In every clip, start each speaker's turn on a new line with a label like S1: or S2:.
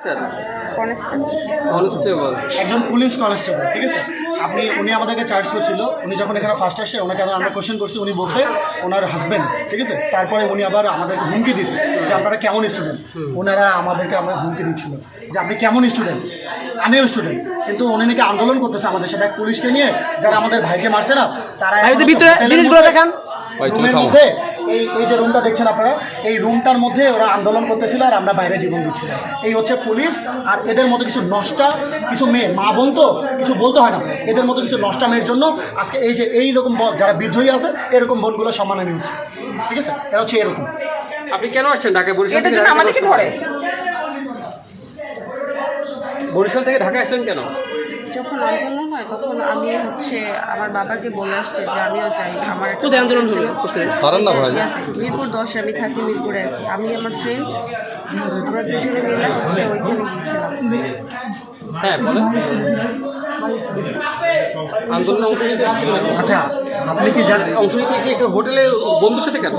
S1: Constable
S2: একজন police constable, ঠিক আছে। উনি আমাদেরকে চার্জ করছিল। উনি যখন এখানে ফার্স্ট আসে ওনাকে আমরা কোয়েশ্চেন করছি, উনি বলছে ওনার হাজব্যান্ড, ঠিক আছে। তারপরে উনি আবার আমাদেরকে হুমকি দিয়েছে যে আপনারা কেমন স্টুডেন্ট। ওনারা আমাদেরকে আমরা হুমকি দিচ্ছিল যে আপনি কেমন স্টুডেন্ট, আমিও স্টুডেন্ট। কিন্তু উনি নাকি আন্দোলন করতেছে আমাদের সাথে, পুলিশকে নিয়ে যারা আমাদের ভাইকে মারছে না তারা রুমের মধ্যে এই যে রুমটা দেখছেন আপনারা, এই রুমটার মধ্যে ওরা আন্দোলন করতেছিল আর আমরা বাইরে জীবন দিচ্ছিলাম। এই হচ্ছে পুলিশ। আর এদের মতো কিছু নষ্টা কিছু মেয়ে, মা বোন তো কিছু বলতে হয় না, এদের মতো কিছু নষ্টা মেয়ের জন্য আজকে এই যে এইরকম যারা বিদ্রোহী আছে এরকম বোনগুলো সম্মানানি হচ্ছে, ঠিক আছে। এরা হচ্ছে এরকম।
S1: আপনি কেন আসছেন ঢাকায়? বরিশাল থেকে ঢাকায় আসলেন কেন?
S3: যখন আন্দোলন হয় তখন আমি আমার বাবাকে বলে আসছে যে আমিও চাই। আমার
S1: আন্দোলন হলো
S3: মিরপুর 10 আমি থাকি মিরপুরে। আমি আমার ফ্রেন্ড আমরা দুজনে মিলে ওইখানে গিয়েছিলাম।
S1: হ্যাঁ বলেন। আন্দোলন অংশ নিতে আসছিলেন?
S2: আচ্ছা, আপনি কি জানেন
S1: অংশ নিতে এসে একটা হোটেলে বন্ধুর সাথে কেন?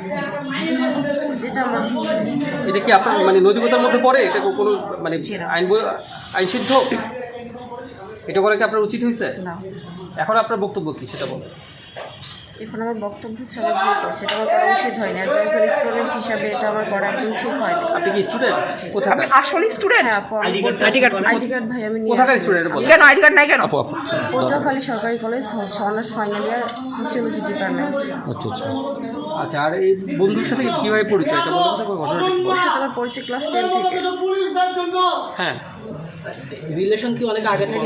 S1: এটা কি আপনার মানে নৈতিকতার মধ্যে পড়ে? এটা কোনো মানে আইন সিদ্ধ? এটা করে কি আপনার উচিত হয়েছে?
S3: না।
S1: এখন আপনার বক্তব্য কি সেটা বলেন।
S3: এখন আমার বক্তব্য আমি ভুল করছি, এটা আমার করা উচিত হয়নি। একজন স্টুডেন্ট হিসাবে এটা আমার করা একদম ঠিক হয়নি।
S1: আপনি কি স্টুডেন্ট? কোথায়
S3: আসলে স্টুডেন্ট? হ্যাঁ, আইডি কার্ড ভাই আমি নিয়ে।
S1: কোথাকার স্টুডেন্ট বলেন?
S3: কেন আইডি কার্ড নাই কেন? পটুয়াখালী সরকারি college honours final year sociology department.
S1: আচ্ছা আচ্ছা আচ্ছা। আর এই বন্ধুর সাথে কিভাবে পরিচয় এটা বলতে পারবেন? ঘটনাটা
S3: ওর সাথে আমার পরিচয় ক্লাস 10 থেকে।
S1: হ্যাঁ।
S4: রিলেশন কি অনেক আগে থেকে?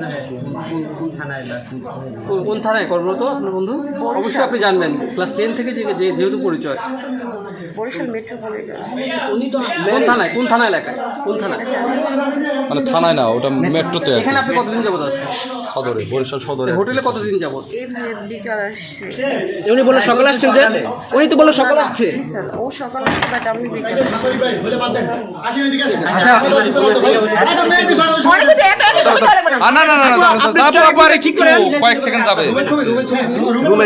S1: কোন থানায় কর্মরত আপনার বন্ধু? অবশ্যই আপনি জানবেন ক্লাস 10 থেকে যেহেতু পরিচয়।
S3: বরিশাল মেট্রোপলিটন।
S4: উনি তো
S1: কোন থানায়? কোন থানা এলাকায়? কোন থানায়?
S5: মানে থানায় না, ওটা মেট্রোতে।
S1: এখানে আপনি কতদিন যাবত আছেন?
S5: সদরে, বরিশাল সদরে।
S1: হোটেলে কতদিন যাবত?
S3: এই ভাই বিকাল আসছে।
S4: উনি বলে সকাল আসছেন যে? উনি তো বলে সকাল আসছে।
S3: স্যার ও সকাল আসছে বাট আমি বিকাল।
S5: না না না না, ঠিক করে কয়েক সেকেন্ড যাবে।
S4: রুমে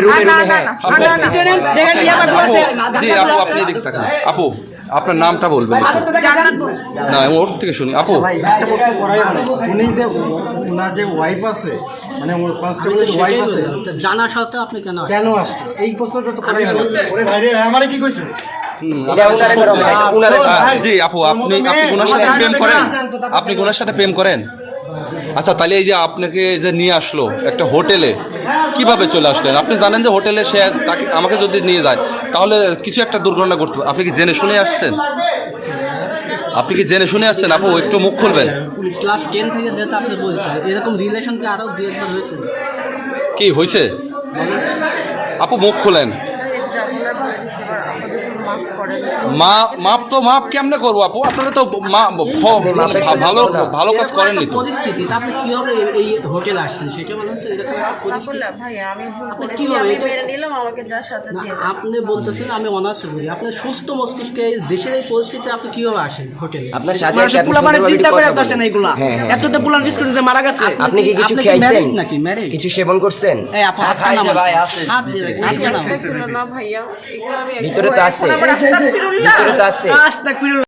S5: জি আপু, আপনি এদিকে তাকান। আপু আপনার নামটা বলবেন না, ওর থেকে শুনি। আপু
S2: উনি যে ওনার যে ওয়াইফ আছে, মানে ওর কনস্টেবলের ওয়াইফ আছে,
S4: জানা সত্ত্বেও আপনি
S2: কেন আসলো এই প্রশ্নটা তো করাই হলো। ওরে ভাই রে, আমারে কি কইছে?
S5: জি আপু, আপনি ওনার সাথে প্রেম করেন? আপনি ওনার সাথে প্রেম করেন? আচ্ছা, তাহলে এই যে আপনাকে যে নিয়ে আসলো একটা হোটেলে, কিভাবে চলে আসলেন? আপনি জানেন যে হোটেলে সে তাকে আমাকে যদি নিয়ে যায় তাহলে কিছু একটা দুর্ঘটনা ঘটতে পারে। আপনি কি জেনে শুনে আসছেন? আপনি কি জেনে শুনে আসছেন? আপু একটু মুখ খুলবেন।
S4: ক্লাস 10 থেকে যেটা আপনি বলছেন, এরকম রিলেশন কি আরো 2-1 বার হয়েছিল?
S5: কি হয়েছে আপু? মুখ খুলেন। মাপ কেমনে করবো আপু? আপনারা তো ভালো কাজ করেননি তো।
S4: পরিস্থিতি আপনি কিভাবে এই হোটেলে আসছেন সেটা বলেন তো। এরকম
S3: ভাই আমি ভুল করেছি, আমি মেনে নিলাম, আমাকে যা সাজা দিয়ে।
S4: আপনি বলতেছেন আমি অনার্স করি, আপনি সুস্থ মস্তিষ্কে দেশের এই পরিস্থিতিতে আপনি কিভাবে আসেন হোটেলে?
S6: আপনার সাথে চিন্তা করে আসছেন এইগুলা। এতটা পুলান স্টুডেন্টে মারা গেছে। আপনি কি কিছু খাইছেন নাকি? কিছু সেবন করছেন? এই আপু খাই না ভাই, আছে হাত দিয়ে রাখেন।
S3: না ভাইয়া, এগুলো আমি
S6: ভিতরে তো আছে, ভিতরে তো আছে।